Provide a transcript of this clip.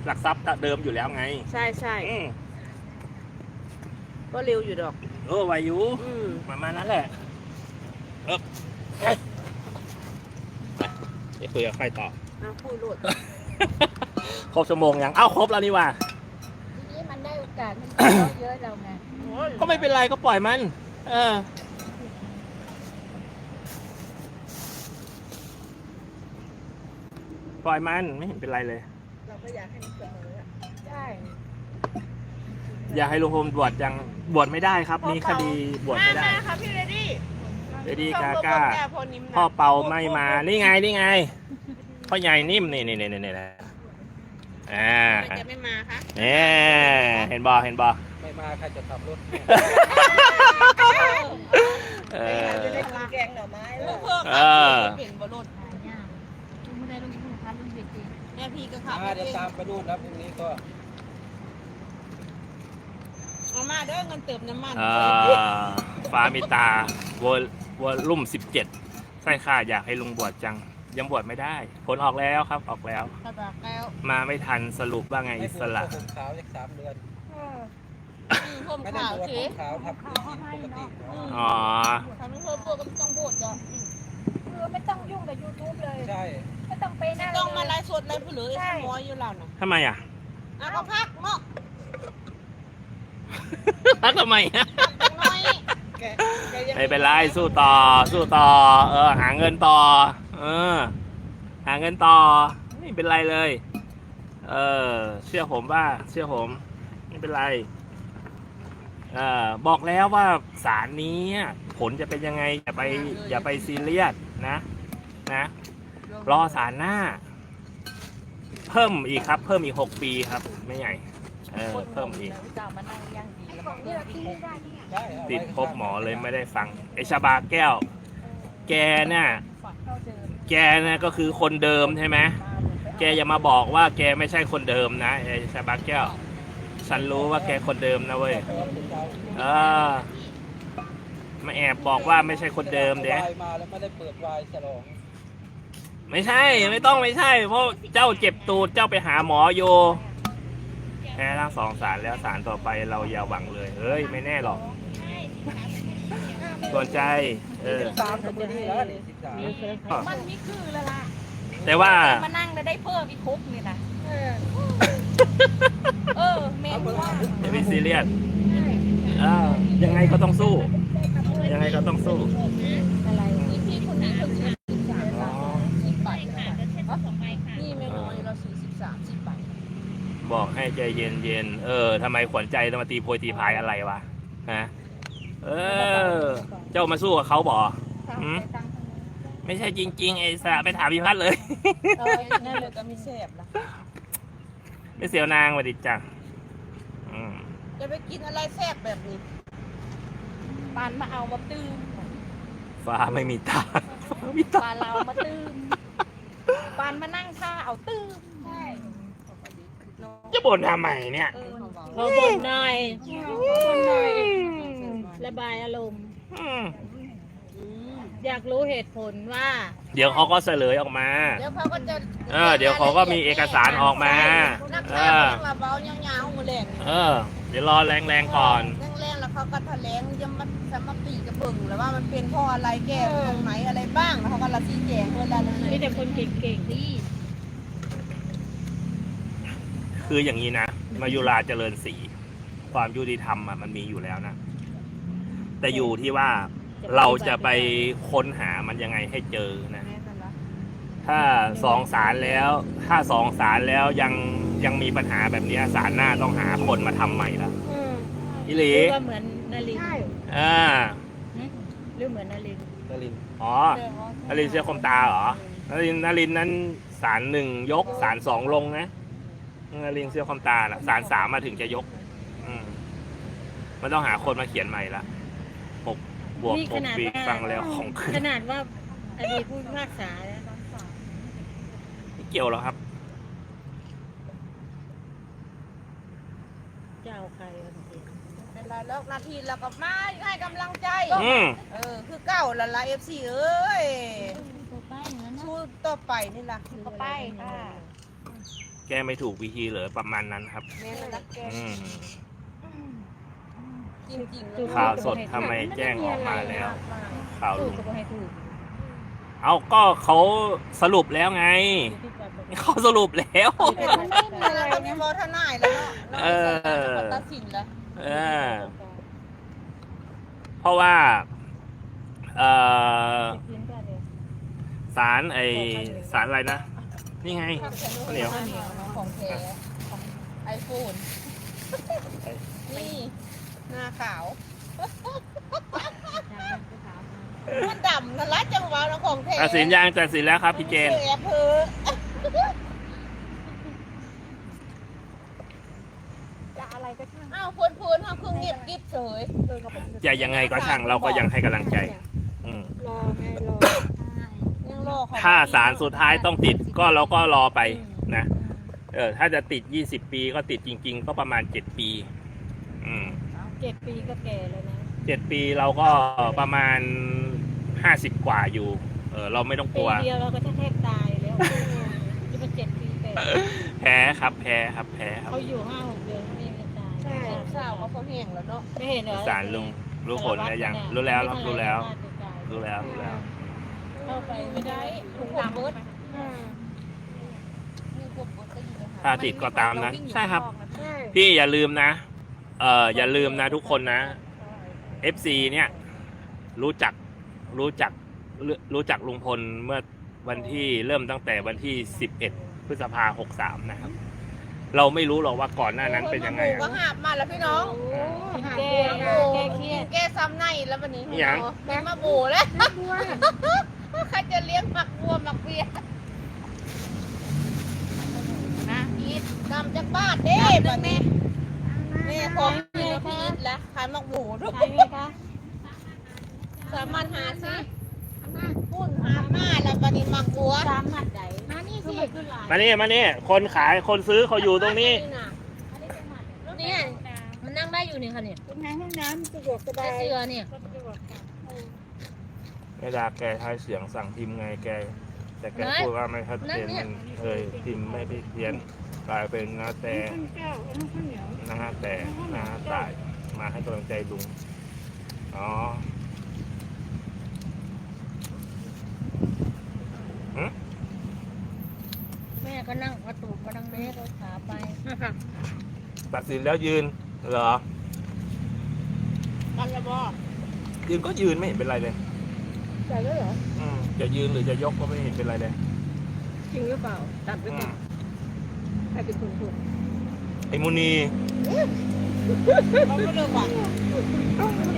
หลักทรัพย์เดิมอยู่แล้วไงใช่ใช่ก็เร็วอยู่ดอกวายุประมาณนั้นแหละเดี๋ยวคุยกับใครต่อพูดโลดครบชั่วโมงยังครบแล้วนี่ว่าทีนี้มันได้โอกาสมันเยอะเราไงก็ไม่เป็นไรก็ปล่อยมันปล่อยมันไม่เห็นเป็นไรเลยเราก็อยากให้มันเสมอใช่อยากให้ลุงพลบวชยังบวชไม่ได้ครับมีคดีบวชไม่ได้ครับพี่เรดี้กาก้าพ่อเปาไม่มานี่ไงพ่อใหญ่นิ่มนี่จะไม่มาคะเห็นบอไม่มาใครจะขับรถจะได้กินแกงหน่อไม้แล้วเปลี่ยนบอลรถไม่ได้ลุงพันลุงเด็กเองแม่พี่ก็ขับเดี๋ยวตามไปดูนะพรุ่งนี้ก็เอามาเด้อเงินเติมน้ำมันฟ้ามีตาวอลลุ่ม17ใช่ค่ะอยากให้ลุงบวชจังยังบวชไม่ได้ผลออกแล้วครับออกแล้วมาไม่ทันสรุปว่าไงอิสระผมขาวอีก3 เดือนผมขาวเฉยขาวทับปกติทำให้เพิ่มตัวก็ไม่ต้องบวชจ้ะไม่ต้องยุ่งกับ YouTube เลยใช่ไม่ต้องไปนั่งต้องมาไลฟ์สดไลฟ์เผลอไอ้มอยอยู่เราน่ะทำไมก็พักเนาะพักทำไมไม่เป็นไรสู้ต่อหาเงินต่อหาเงินต่อไม่เป็นไรเลยเชื่อผมไม่เป็นไรบอกแล้วว่าศาลนี้ผลจะเป็นยังไงอย่าไปซีเรียสนะรอศาลหน้าเพิ่มอีกครับเพิ่มอีก6 ปีครับไม่ใหญ่เพิ่มอีกติดพบหมอเลยไม่ได้ฟังไอชาบาแก้วแกน่ะก็คือคนเดิมใช่ไหมแกอย่ามาบอกว่าแกไม่ใช่คนเดิมนะไอชาบาแก้วฉันรู้ว่าแกคนเดิมนะเว้ยมาแอบบอกว่าไม่ใช่คนเดิมเด้มาแล้วไม่ได้เปิดวายฉลองไม่ใช่ไม่ใช่เพราะเจ้าเจ็บตูดเจ้าไปหาหมอโยแพ้ทั้ง2 ศาลแล้วศาลต่อไปเราอย่าหวังเลยเฮ้ยไม่แน่หรอกสนใจ 13ก็ดีแล้วมันไม่คือแล้วล่ะแต่ว่ามานั่งได้เพิ่มอีกคุกนี่นะเมนว่าอย่าไปซีเรียสยังไงก็ต้องสู้อะไรพี่คนนี้คน10 บาทนี่ไม่น้อยเรา10 บาทบอกให้ใจเย็นทำไมขวัญใจต้องมาตีโพยตีพายอะไรวะฮะเจ้ามาสู้กับเขาบ่ไม่ใช่จริงๆไอ้สะไปถามพี่พัดเลยนั่นเลยก็ไม่แซ่บละไม่เสียวนางมาดิจ้ะจะไปกินอะไรแซ่บแบบนี้ปานมาเอามาตื้มฟ้าไม่มีตาปานเรามาตื้มปานมานั่งท่าเอาตื้มใช่จะบ่นทำไมเนี่ยเราบ่นหน่อยระบายอารมณ์อยากรู้เหตุผลว่าเดี๋ยวเขาก็เฉลยออกมาเดี๋ยวเขาก็จะเดี๋ยวเขาก็มีเอกสารออกมานักข่าวมาเบายาวๆมาแรงเดี๋ยวรอแรงก่อนแรงแล้วเขาก็แถลงจะมาสมปีกระเบิ่งแล้วว่ามันเป็นเพราะอะไรแก้ตรงไหนอะไรบ้างแล้วเขาก็ละชี้แจงเวลาเลยมีแต่คนเก่งๆที่คืออย่างนี้นะมายุราเจริญศรีความยุติธรรมมันมีอยู่แล้วนะแต่อยู่ที่ว่าเราจะไปค้นหามันยังไงให้เจอนะถ้า2 ศาลแล้วยังมีปัญหาแบบนี้ศาลหน้าต้องหาคนมาทำใหม่ละอิลีก็เหมือนนารินหรือเหมือนนารินนารินเสียคมตาเหรอนารินนั้นศาล1 ยกศาล2 ลงนะนารินเสียคมตาละศาล3มาถึงจะยกมันต้องหาคนมาเขียนใหม่ละบวก6 ปีฟังแล้วของขึ้นขนาดว่าอดีตผู้พิพากษาแล้วไม่เกี่ยวหรอครับเจ้าใครเป็นไรแล้วนาทีแล้วก็มาให้กำลังใจคือเก้าละ FC เอ้ยสู้ต่อไปนี่ล่ะต่อไปค่ะแกก้ไม่ถูกวิธีเหรอประมาณนั้นครับแม่มันรักแกอืมจริงๆเลยข่าวสดทำไมแจ้งออกมาแล้ว ข่าวถูลุกงก็บ่ให้ถูกเอาก็เขาสรุปแล้วไง เขาสรุปแล้วเราก็มีโมทนายแล้วเนาะเราตัดสินแล้วเออ เพราะว่าศาลศาลอะไรนะ นี่ไง ข้าวเหนียวของแท้ไอโฟนนี่หน้าขาวมันดำนะรัดจังหวะของแท้ตัดสินยังตัดสินแล้วครับพี่เจนแอบเพอจะอะไรก็ช่างอ้าวพูนทำเครื่องเงียบกิ๊บเฉยจะยังไงก็ช่างเราก็ยังให้กำลังใจ อืมรอไงรอยังรอเขาถ้าศาลสุดท้ายต้องติดก็เราก็รอไปนะ ถ้าจะติด20 ปีก็ติดจริง ๆ ก็ประมาณ7 ปี อืม 7 ปีก็แก่แล้วนะ 7 ปีเราก็ประมาณ50 กว่าอยู่ เราไม่ต้องกปีลัวเดียวเราก็แทบตายแล้วจะมา7 ปี8 แพ้ครับแพ้ครับแพ้ครับเขาอยู่5-6 เดือนเขายังไม่ตายใช่สาวเขาแห้งแล้วเนาะไม่เห็นเหรอศาลลุงรู้ผลแล้วยังรู้แล้วครับรู้แล้วรู้แล้วรู้แล้วเข้าไปไม่ได้ถุงดำเบิดมีพวกบดก็อยู่ในหถ้าติดก็ตามนั้นใช่ครับ พี่อย่าลืมนะ อย่าลืมนะทุกคนนะ FC เนี่ยรู้จักลุงพลเมื่อวันที่เริ่มตั้งแต่วันที่11 พฤษภาคม 63 นะครับ เราไม่รู้หรอกว่าก่อนหน้านั้นเป็นยังไงก็หาบมาแล้วพี่น้องแก้เครียดแกซ้ำในแล้ววันนี้ยังมีมาบูแล้วใครจะเลี้ยงหมักบัวหมักเบียร์นะอีทนำจากบ้านเด้บัดนี้แม่ของพี่พี่อีทแล้วขายหมักบูด้วยใช่ไหมคะสามันหาซิพุ่นหามาแล้วบัดนี้หมักบัวตามหมัดใดมานี่สิมานี่คนขายคนซื้อเขาอยู่ตรงนี้เนี่ยมันนั่งได้อยู่นี่ค่ะเนี่ยเป็นไงห้องน้ำสะดวกสบาได้ยเสื้อเนี่ยไม่ได้แกใช้เสียงสั่งพิมพ์ไงแก แต่แกพูดว่าไม่ชัดเจนมันพิมพ์ไม่ได้เพี้ยนกลายเป็นนาแต่นะฮะแต่นะฮะตายมาให้กำลังใจลุงอ๋อแม่ก็นั่งกระตุกกระดังเล็กขาไปตัดสินแล้วยืนเหรอกันละบ่ยืนก็ยืนไม่เห็นเป็นไรเลยใส่แล้วเหรอจะยืนหรือจะยกก็ไม่เห็นเป็นไรเลยจริงหรือเปล่าตัดไปก่อนใครเป็นคนพูดไอ้มุนีเขาไม่เลิกว่ะ